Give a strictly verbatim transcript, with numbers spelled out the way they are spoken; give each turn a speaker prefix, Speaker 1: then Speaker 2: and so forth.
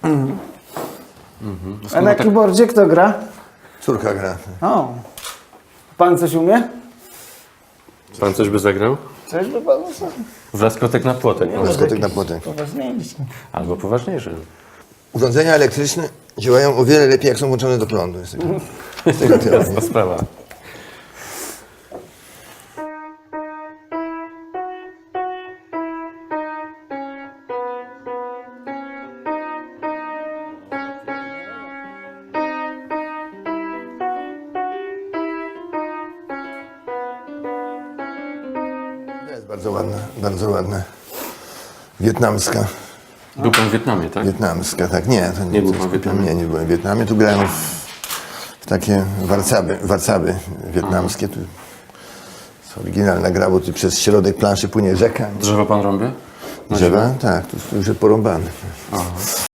Speaker 1: Mhm. A na keyboardzie kto gra?
Speaker 2: Córka gra.
Speaker 1: O. Pan coś umie?
Speaker 3: Pan coś by zagrał?
Speaker 1: Coś by pan
Speaker 3: Wlaskotek na płotek. może.
Speaker 2: Dyskotek na płotek.
Speaker 1: poważniejszy.
Speaker 3: Albo poważniejszy.
Speaker 2: Urządzenia elektryczne działają o wiele lepiej, jak są włączone do prądu. Jest taka- jest taka teoria.
Speaker 3: Jasna sprawa.
Speaker 2: To jest bardzo ładna, bardzo ładna. Wietnamska.
Speaker 3: Był pan w Wietnamie, tak?
Speaker 2: Wietnamska, tak. Nie, to
Speaker 3: Nie był pan w Wietnamie?
Speaker 2: Nie, nie byłem w Wietnamie. Tu grałem w, w takie warcaby, warcaby wietnamskie. Tu jest oryginalna gra, bo tu przez środek planszy płynie rzeka.
Speaker 3: Drzewo pan rąbie?
Speaker 2: Drzewa? Tak, tu, tu już jest porąbane.